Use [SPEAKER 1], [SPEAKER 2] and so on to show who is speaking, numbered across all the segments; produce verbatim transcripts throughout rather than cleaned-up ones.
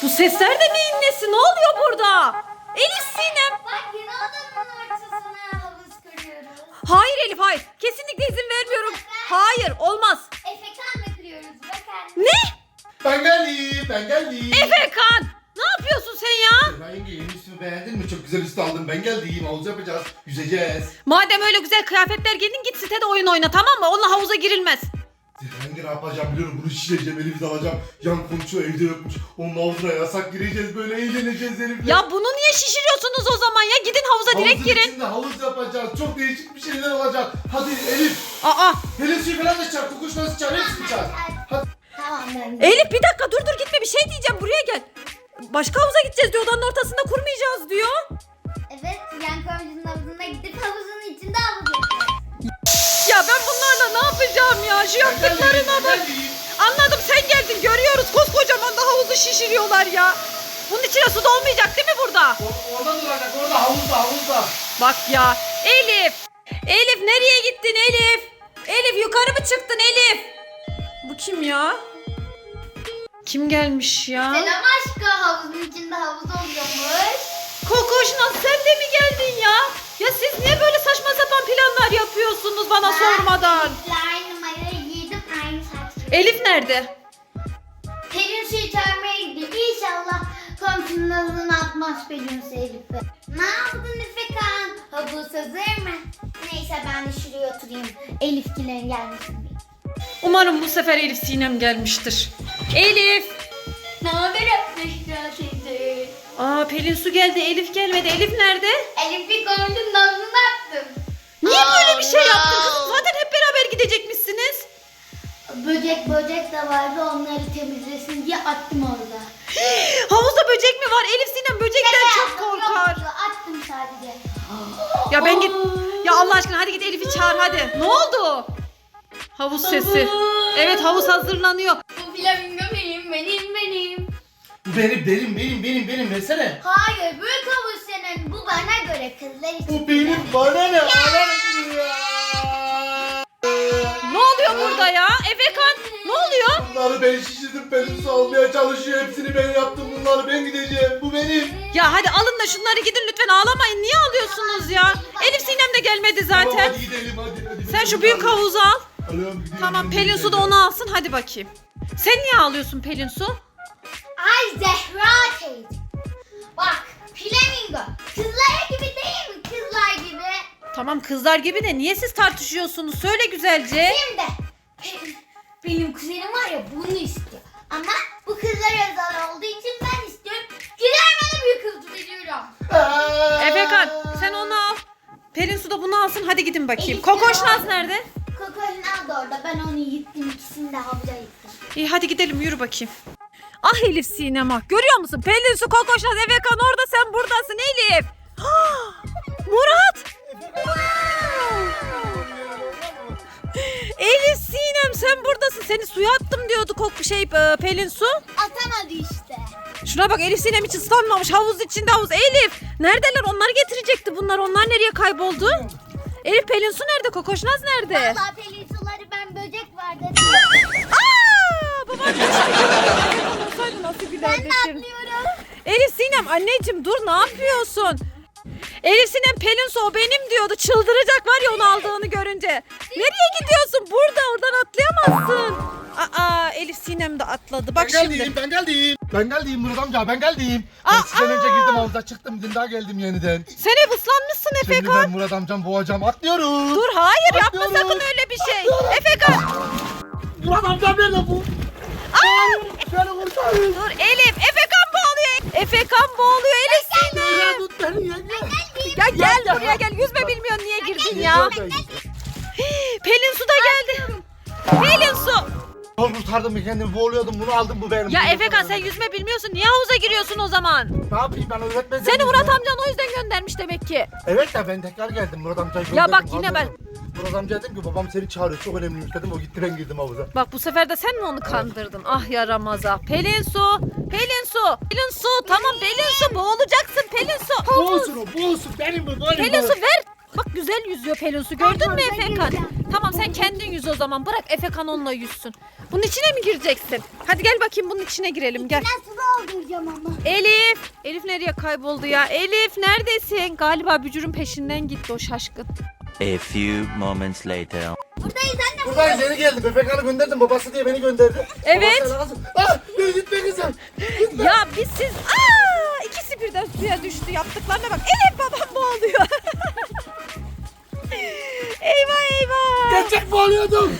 [SPEAKER 1] Bu sesler de neyin nesi? Ne oluyor burada? Elif, Sinem.
[SPEAKER 2] Bak yine odanın ortasına havuz kırıyoruz.
[SPEAKER 1] Hayır Elif, hayır. Kesinlikle izin vermiyorum. Hayır, olmaz.
[SPEAKER 2] Efekanla kırıyoruz bakar.
[SPEAKER 1] Ne?
[SPEAKER 3] Ben geldim, ben geldim.
[SPEAKER 1] Efekan, ne yapıyorsun sen ya?
[SPEAKER 3] Ben yenge yeni üstümü beğendin mi? Çok güzel üstü aldım. Ben geldim. Havuz yapacağız. Yüzeceğiz.
[SPEAKER 1] Madem öyle güzel kıyafetler giydin, git sitede oyun oyna, tamam mı? Onunla havuza girilmez.
[SPEAKER 3] Hangi ne yapacağım biliyorum. Bunu şişireceğim, Elif'i alacağım. Yan komşu evde yokmuş. Onun havuzuna yasak gireceğiz. Böyle eğleneceğiz Elif'le.
[SPEAKER 1] Ya bunu niye şişiriyorsunuz o zaman ya? Gidin havuza direkt
[SPEAKER 3] Havuzun
[SPEAKER 1] girin.
[SPEAKER 3] içinde havuz yapacağız. Çok değişik bir şeyler olacak. Hadi Elif.
[SPEAKER 1] Aa,
[SPEAKER 3] Pelin suyu falan da çağır. Kukuş nasıl çağır? Hepsini çağır. Hadi.
[SPEAKER 2] Tamam ben.
[SPEAKER 1] Elif bir dakika, dur dur gitme, bir şey diyeceğim, buraya gel. Başka havuza gideceğiz diyor, odanın ortasında kurmayacağız diyor.
[SPEAKER 2] Evet yan komşunun havuzuna gidip havuzun içinde havuz yapacağız.
[SPEAKER 1] Ya ben bunlarla ne yapacağım ya? Şu yaptıklarına bak. Anladım, sen geldin, görüyoruz. Koskocaman da havuzu şişiriyorlar ya. Bunun içine su dolmayacak değil mi burada?
[SPEAKER 3] O- Orada duracak. Orada havuzda havuzda.
[SPEAKER 1] Bak ya. Elif. Elif nereye gittin Elif? Elif yukarı mı çıktın Elif? Bu kim ya? Kim gelmiş ya?
[SPEAKER 2] Selam aşkı, havuzun içinde havuz oluyormuş.
[SPEAKER 1] Kokoşnaz, sen de mi geldin ya? Ya siz niye böyle saçma sapan planlar yapıyorsunuz bana sormadan?
[SPEAKER 2] Aynı numarayı giydim, aynı saç.
[SPEAKER 1] Elif nerede?
[SPEAKER 2] Pelin suyu çağırmaya gidiyor. İnşallah komşunun havuzuna atmaz Pelin su Elif'i. Ne yaptın Efekan? Havuz hazır mı? Neyse ben de şuraya oturayım. Elifkilerin gelmesin diye.
[SPEAKER 1] Umarım bu sefer Elif Sinem gelmiştir. Elif.
[SPEAKER 2] Ne haber Efekan teyze?
[SPEAKER 1] Aa, Pelin Su geldi, Elif gelmedi. Elif nerede?
[SPEAKER 2] Elif'i komşunun havuzuna attım.
[SPEAKER 1] Niye böyle bir şey
[SPEAKER 2] Allah.
[SPEAKER 1] yaptın kızım? Zaten hep beraber gidecekmişsiniz.
[SPEAKER 2] Böcek böcek de vardı, onları temizlesin diye attım orada.
[SPEAKER 1] Havuzda böcek mi var? Elif Sinem böcekten
[SPEAKER 2] Şaka
[SPEAKER 1] çok
[SPEAKER 2] yaptım,
[SPEAKER 1] korkar.
[SPEAKER 2] yoktu. Attım sadece.
[SPEAKER 1] Ya ben git. Ya Allah aşkına hadi git Elif'i çağır hadi. Ne oldu? Havuz sesi. Evet, havuz hazırlanıyor.
[SPEAKER 2] Bu flamingo benim, benim, benim.
[SPEAKER 3] Bu benim, benim, benim, benim, benim. Versene.
[SPEAKER 2] Hayır, büyük havuz senin. Bu bana göre, kızlar için.
[SPEAKER 3] Bu benim. Bana ne? Bana ne?
[SPEAKER 1] Ne oluyor burada ya? Efekan ne oluyor?
[SPEAKER 3] Bunları ben şişirdim. Pelin su almaya çalışıyor. Hepsini ben yaptım. Bunları ben gideceğim. Bu benim.
[SPEAKER 1] Ya hadi alın da şunları gidin lütfen, ağlamayın. Niye ağlıyorsunuz ya? Elif Sinem de gelmedi
[SPEAKER 3] Tamam
[SPEAKER 1] zaten.
[SPEAKER 3] hadi gidelim hadi. hadi.
[SPEAKER 1] Sen şu büyük havuzu al.
[SPEAKER 3] Alıyorum, gidiyorum,
[SPEAKER 1] Tamam,
[SPEAKER 3] gidiyorum,
[SPEAKER 1] Pelin Su da
[SPEAKER 3] gidiyorum.
[SPEAKER 1] onu alsın, hadi bakayım. Sen niye ağlıyorsun Pelin Su?
[SPEAKER 2] Ay Zehra teyze. Bak, flamingo. Kızlar gibi değil mi? Kızlar gibi.
[SPEAKER 1] Tamam kızlar gibi de niye siz tartışıyorsunuz? Söyle güzelce.
[SPEAKER 2] Şimdi benim, benim kuzenim var ya, bunu istiyor. Ama bu kızlar özel olduğu için ben istiyorum. Güler bana büyük kız veriyorum.
[SPEAKER 3] Aa!
[SPEAKER 1] Efekan sen onu al. Pelin Su da bunu alsın, hadi gidin bakayım.
[SPEAKER 2] Elif
[SPEAKER 1] Kokoşnaz
[SPEAKER 2] ya.
[SPEAKER 1] nerede?
[SPEAKER 2] Kokoşnaz da orada. Ben onu yıktım. İkisini de havuza yıktım.
[SPEAKER 1] İyi hadi gidelim, yürü bakayım. Ah Elif Sinem ah, görüyor musun? Pelin Su, Kokoşnaz, Efekan orada, sen buradasın Elif. Murat. Elif Sinem sen buradasın. Seni suya attım diyordu kok şey e, Pelin Su.
[SPEAKER 2] Atamadı işte.
[SPEAKER 1] Şuna bak, Elif Sinem hiç ıslanmamış. Havuz içinde havuz. Elif neredeler? Onları getirecekti bunlar. Onlar nereye kayboldu? Elif, Pelin Su nerede? Kokoşnaz nerede?
[SPEAKER 2] Valla pelin suları ben böcek var dedim.
[SPEAKER 1] Aa! Babam olsaydı nasıl
[SPEAKER 2] Ben
[SPEAKER 1] gülerdi
[SPEAKER 2] de
[SPEAKER 1] şimdi.
[SPEAKER 2] atlıyorum.
[SPEAKER 1] Elif Sinem anneciğim dur, ne yapıyorsun? Elif Sinem Pelin Su o benim diyordu. Çıldıracak var ya onu aldığını görünce. Nereye gidiyorsun? Burada, oradan atlayamazsın. Aa, Elif Sinem de atladı. Bak
[SPEAKER 3] Ben
[SPEAKER 1] şimdi.
[SPEAKER 3] geldim, ben geldim. Ben geldim Murat amca, ben geldim.
[SPEAKER 1] Aa,
[SPEAKER 3] Ben sizden önce
[SPEAKER 1] aa!
[SPEAKER 3] girdim havuza, çıktım, dün daha geldim yeniden.
[SPEAKER 1] Sen hep ıslanmışsın
[SPEAKER 3] Şimdi
[SPEAKER 1] Efekan.
[SPEAKER 3] ben Murat amcam boğacağım, atlıyorum.
[SPEAKER 1] Dur hayır, yapma
[SPEAKER 3] Atlıyorum.
[SPEAKER 1] sakın öyle bir şey. Efekan.
[SPEAKER 3] Murat amcam nerede bu?
[SPEAKER 1] Aa!
[SPEAKER 3] Beni kurtarın.
[SPEAKER 1] Dur Elif. Efekan boğuluyor. Efekan boğuluyor Elif
[SPEAKER 3] Ya
[SPEAKER 1] Sinem.
[SPEAKER 3] tut beni yenge.
[SPEAKER 1] Ya gel buraya gel. Yüzme bilmiyorsun, niye girdin ya? Pelin Su da geldi. Pelin Su.
[SPEAKER 3] Zor kurtardım bir kendimi, boğuluyordum, bunu aldım, bu benim.
[SPEAKER 1] Ya
[SPEAKER 3] Bunu
[SPEAKER 1] Efekan sen
[SPEAKER 3] kurtardım.
[SPEAKER 1] yüzme bilmiyorsun. Niye havuza giriyorsun o zaman?
[SPEAKER 3] Ne yapayım ben, öğretmenim.
[SPEAKER 1] Seni Murat amcan o yüzden göndermiş demek ki.
[SPEAKER 3] Evet de ben tekrar geldim, Murat amcayı
[SPEAKER 1] Ya
[SPEAKER 3] gönderdim,
[SPEAKER 1] bak yine
[SPEAKER 3] kaldırdım. Murat amca dedim ki babam seni çağırıyor, çok önemliymiş dedim, o gitti, ben girdim havuza.
[SPEAKER 1] Bak bu sefer de sen mi onu kandırdın? Ah yaramaza. Pelin Su. Pelin Su. Pelin Su. Tamam Pelin Su, boğulacaksın Pelin Su.
[SPEAKER 3] Boğulsun o, boğulsun, benim bu, benim
[SPEAKER 1] Pelin
[SPEAKER 3] bu.
[SPEAKER 1] Su ver. Bak çok güzel yüzüyor Pelin Su. Gördün mü
[SPEAKER 2] havuza
[SPEAKER 1] Efekan?
[SPEAKER 2] gireceğim.
[SPEAKER 1] Tamam sen kendin yüz o zaman. Bırak Efekan onunla yüzsün. Bunun içine mi gireceksin? Hadi gel bakayım bunun içine girelim gel.
[SPEAKER 2] Ben su dolduracağım ama.
[SPEAKER 1] Elif. Elif nereye kayboldu ya? Elif neredesin? Galiba bücürün peşinden gitti o şaşkın.
[SPEAKER 4] A few moments later.
[SPEAKER 2] Buradayız anne.
[SPEAKER 3] Buradayız yeni geldim. Efekan'ı gönderdim. Babası diye beni gönderdi.
[SPEAKER 1] Evet.
[SPEAKER 3] Babası lazım. Ah yürü gitme kızım.
[SPEAKER 1] Ya biz siz... Aa, ikisi birden suya düştü. Yaptıklarına bak. Elif babam boğuluyor. Eyvah eyvah.
[SPEAKER 3] Gerçek mi oluyordum?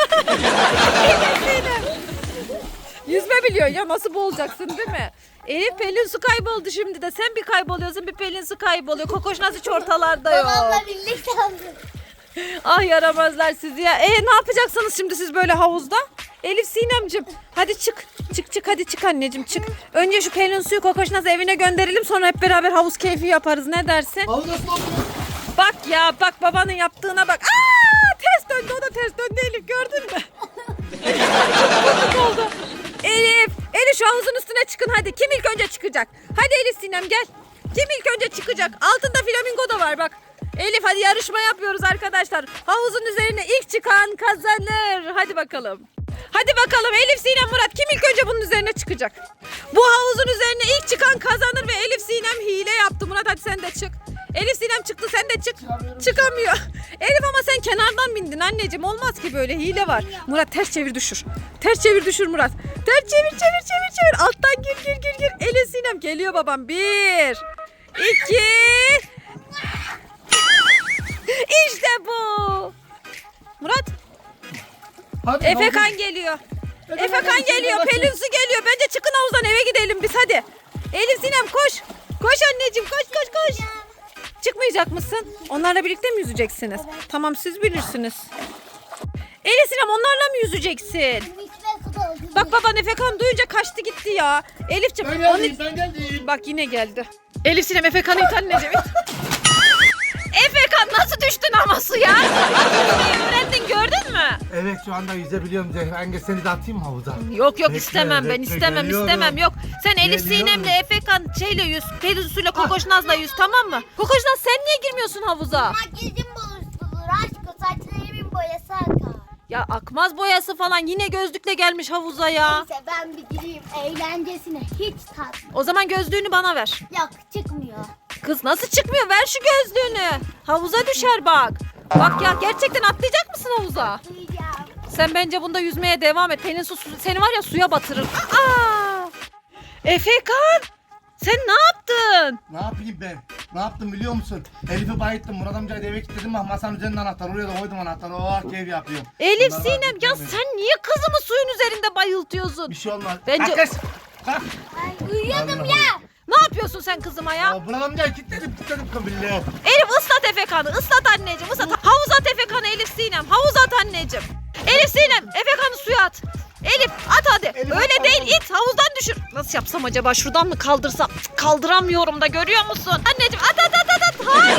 [SPEAKER 1] Yüzme biliyor ya nasıl boğulacaksın değil mi? Elif Pelin Su kayboldu şimdi de. Sen bir kayboluyorsun bir Pelin Su kayboluyor. Kokoş nasıl hiç ortalarda yok.
[SPEAKER 2] Babamla birlikte aldık.
[SPEAKER 1] Ah yaramazlar sizi ya. E ne yapacaksınız şimdi siz böyle havuzda? Elif Sinemcim hadi çık. Çık çık hadi çık anneciğim çık. Önce şu Pelin Su'yu Kokoşnaz evine gönderelim sonra hep beraber havuz keyfi yaparız. Ne dersin?
[SPEAKER 3] Havuz nasıl oluyor?
[SPEAKER 1] Bak ya bak babanın yaptığına bak. Aa ters döndü o da ters döndü Elif gördün mü? Çok komik oldu. Elif, Elif şu havuzun üstüne çıkın hadi. Kim ilk önce çıkacak? Hadi Elif Sinem gel. Kim ilk önce çıkacak? Altında flamingo da var bak. Elif hadi yarışma yapıyoruz arkadaşlar. Havuzun üzerine ilk çıkan kazanır. Hadi bakalım. Hadi bakalım Elif Sinem Murat kim ilk önce bunun üzerine çıkacak? Bu havuzun üzerine ilk çıkan kazanır ve Elif Sinem hile yaptı. Murat hadi sen de çık. Elif Sinem çıktı sen de çık. Çıkamıyor. Elif ama sen kenardan bindin anneciğim. Olmaz ki böyle hile var. Murat ters çevir düşür. Ters çevir düşür Murat. Ters çevir çevir çevir çevir. Alttan gir gir gir gir. Elif Sinem geliyor babam. Bir. iki. İşte bu. Murat.
[SPEAKER 3] Hadi,
[SPEAKER 1] Efekan
[SPEAKER 3] havuz-
[SPEAKER 1] geliyor.
[SPEAKER 3] Efekan
[SPEAKER 1] Efekan
[SPEAKER 3] geliyor,
[SPEAKER 1] geliyor.
[SPEAKER 3] Efekan.
[SPEAKER 1] Pelin Su geliyor. Bence çıkın havuzdan eve gidelim biz hadi. Elif Sinem koş. Koş anneciğim koş koş koş. Çıkmayacak mısın? Onlarla birlikte mi yüzeceksiniz? Tamam siz bilirsiniz. Elif Sinem onlarla mı yüzeceksin?
[SPEAKER 2] İçine su dolduracağım.
[SPEAKER 1] Bak baban Efekan duyunca kaçtı gitti ya. Elifciğim
[SPEAKER 3] Ben
[SPEAKER 1] onu...
[SPEAKER 3] geldim ben geldim.
[SPEAKER 1] Bak yine geldi. Elif Sinem Efekan'ı it anneciğim it. Efekan nasıl düştün ama suya? Yüzmeyi öğrendin gördün mü?
[SPEAKER 3] Evet şu anda yüzebiliyorum Zehra. Engel seni de atayım mı havuza?
[SPEAKER 1] Yok yok
[SPEAKER 3] Bekle,
[SPEAKER 1] istemem ben
[SPEAKER 3] bekle,
[SPEAKER 1] istemem
[SPEAKER 3] geliyorum.
[SPEAKER 1] istemem yok. Sen Elif
[SPEAKER 3] Geliyorum.
[SPEAKER 1] Sinem'le Efekan şeyle yüz, Pelin Su'yla Kokoşnaz'la yüz tamam mı? Kokoşnaz sen niye girmiyorsun havuza?
[SPEAKER 2] Makyajım bozulur aşkım saçlarımın boyası akar.
[SPEAKER 1] Ya akmaz boyası falan yine gözlükle gelmiş havuza ya.
[SPEAKER 2] Neyse ben bir gireyim eğlencesine hiç tatlı.
[SPEAKER 1] O zaman gözlüğünü bana ver.
[SPEAKER 2] Yok çıkmıyor.
[SPEAKER 1] Kız nasıl çıkmıyor ver şu gözlüğünü. Havuza düşer bak. Bak ya gerçekten atlayacak mısın havuza?
[SPEAKER 2] Duyacağım.
[SPEAKER 1] Sen bence bunda yüzmeye devam et. Pelin Su su- seni var ya suya batırır. Aa! Efekan sen ne yaptın?
[SPEAKER 3] Ne yapayım ben? Ne yaptım biliyor musun? Elif'i bayıttım. Murat amcayı da eve kilitledim. Bak masanın üzerinde anahtar. Oraya da koydum anahtarı. Oh keyif yapıyorum.
[SPEAKER 1] Elif
[SPEAKER 3] Bunları
[SPEAKER 1] Sinem
[SPEAKER 3] ben
[SPEAKER 1] ya
[SPEAKER 3] bilmiyorum.
[SPEAKER 1] sen niye kızımı suyun üzerinde bayıltıyorsun?
[SPEAKER 3] Bir şey olmaz.
[SPEAKER 1] Bence-
[SPEAKER 3] Kalk kız. Kalk.
[SPEAKER 2] Ay uyuyordum
[SPEAKER 3] Allah
[SPEAKER 2] ya.
[SPEAKER 1] Ne yapıyorsun sen kızıma ya?
[SPEAKER 3] Ya Murat amcayı kilitledim. Kilitledim kabille.
[SPEAKER 1] Elif ıslat Efekan'ı ıslat anneciğim ıslat. Havuz at Efekan'ı Elif Sinem. Havuz at anneciğim. Elif Sinem Efekan'ı suya at. Elif at hadi.
[SPEAKER 3] Elif,
[SPEAKER 1] Öyle
[SPEAKER 3] at,
[SPEAKER 1] değil
[SPEAKER 3] at.
[SPEAKER 1] it havuzdan düşür. Nasıl yapsam acaba şuradan mı kaldırsam? Cık, kaldıramıyorum da görüyor musun? Anneciğim at at at at at. Hayır.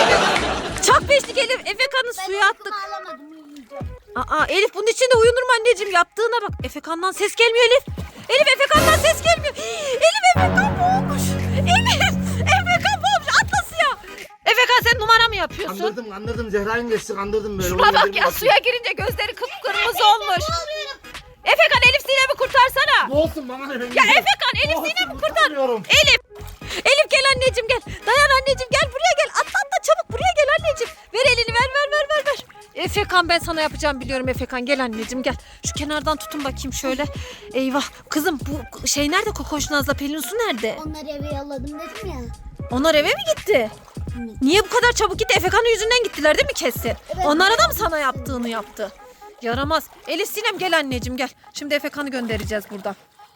[SPEAKER 1] Çok beşlik Elif. Efekan'ı
[SPEAKER 2] Ben
[SPEAKER 1] suya attık.
[SPEAKER 2] uykumu alamadım uyuyacağım.
[SPEAKER 1] Aa Elif bunun içinde uyunur mu anneciğim? Yaptığına bak. Efekan'dan ses gelmiyor Elif. Elif Efekan'dan ses gelmiyor. Elif Efekan boğulmuş. Elif Efekan boğulmuş. Atla suya. Efekan sen numara mı yapıyorsun?
[SPEAKER 3] Kandırdım kandırdım. Zehra'yı geçti kandırdım böyle.
[SPEAKER 1] Şuna bak ya suya girince gözleri kıpkırmızı olmuş. Efekan Elif Sinem'i kurtarsana.
[SPEAKER 3] Ne olsun bana ne benim?
[SPEAKER 1] Ya Efekan Elif Sinem'i kurtar. Elif. Elif gel anneciğim gel. Dayan anneciğim gel buraya gel. Atla atla çabuk buraya gel anneciğim. Ver elini ver ver ver ver ver. Efekan ben sana yapacağım biliyorum Efekan gel anneciğim gel. Şu kenardan tutun bakayım şöyle. Eyvah kızım bu şey nerede Kokoşnaz'la Pelin Su nerede?
[SPEAKER 2] Onları eve yolladım dedim ya.
[SPEAKER 1] Onlar eve mi gitti? Niye bu kadar çabuk gitti? Efekan'ın yüzünden gittiler değil mi kesin? Onlara da mı sana yaptığını yaptı? Yaramaz. Elif Sinem gel anneciğim gel. Şimdi Efekan'ı göndereceğiz buradan.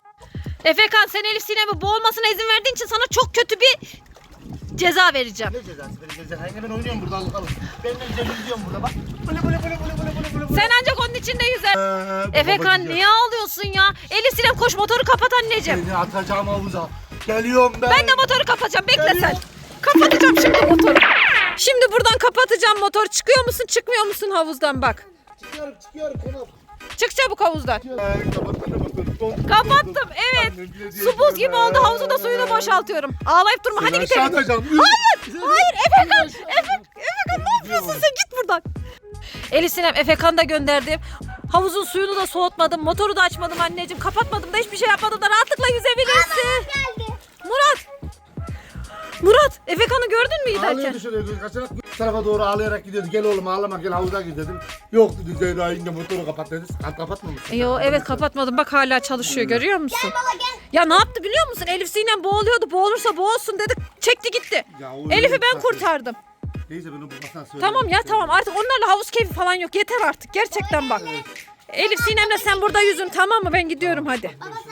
[SPEAKER 1] Efekan sen Elif Sinem'i boğulmasına izin verdiğin için sana çok kötü bir ceza vereceğim.
[SPEAKER 3] Ne cezası benim cezası? Ben oynuyorum burada alıp alıp. Ben de güzel yüzüyorum burada bak. Böyle böyle böyle böyle böyle böyle böyle.
[SPEAKER 1] Sen ancak onun içinde yüzer.
[SPEAKER 3] Ee,
[SPEAKER 1] Efekan
[SPEAKER 3] babacığım.
[SPEAKER 1] niye ağlıyorsun ya? Elif Sinem koş motoru kapat anneciğim.
[SPEAKER 3] Seni atacağım havuza. Geliyorum ben.
[SPEAKER 1] Ben de motoru kapatacağım bekle sen.
[SPEAKER 3] Geliyorum.
[SPEAKER 1] Kapatacağım şimdi motoru. Şimdi buradan kapatacağım motor. Çıkıyor musun çıkmıyor musun havuzdan bak.
[SPEAKER 3] Çıkıyorum çıkıyorum konum.
[SPEAKER 1] Çık çabuk havuzdan.
[SPEAKER 3] Ee, kapattım, kapattım.
[SPEAKER 1] Kapattım evet. Su buz gibi oldu havuzu da suyunu boşaltıyorum. Ağlayıp durma hadi
[SPEAKER 3] Seni
[SPEAKER 1] gidelim.
[SPEAKER 3] aşağı atacağım.
[SPEAKER 1] Hayır hayır Efekan. Efe, Efekan ne yapıyorsun sen? Git buradan. Elif Sinem, Efekan'ı da gönderdim. Havuzun suyunu da soğutmadım. Motoru da açmadım anneciğim. Kapatmadım da hiçbir şey yapmadım da rahatlıkla yüzebilirsin.
[SPEAKER 2] Geldi.
[SPEAKER 1] Murat. Murat, Efekan'ı gördün mü giderken?
[SPEAKER 5] Ağlıyordu şöyle göz kaçarak bu tarafa doğru ağlayarak gidiyordu. Gel oğlum ağlama gel havuza gir dedim. Yok dedi Zehra yenge motoru kapat dedi. Kap kapatmamışsın.
[SPEAKER 1] Yo evet kapatmadım. Bak hala çalışıyor görüyor musun?
[SPEAKER 2] Gel baba gel.
[SPEAKER 1] Ya ne yaptı biliyor musun? Elif Sinem boğuluyordu. Boğulursa boğulsun dedi. Çekti gitti.
[SPEAKER 5] Ya o öyle
[SPEAKER 1] Elif'i ben
[SPEAKER 5] bir
[SPEAKER 1] kurtardım.
[SPEAKER 5] Neyse ben o babasına söyledim.
[SPEAKER 1] Tamam ya tamam artık onlarla havuz keyfi falan yok. Yeter artık gerçekten bak. Elif Sinem'le sen burada yüzün tamam mı? Ben gidiyorum hadi.
[SPEAKER 2] Baba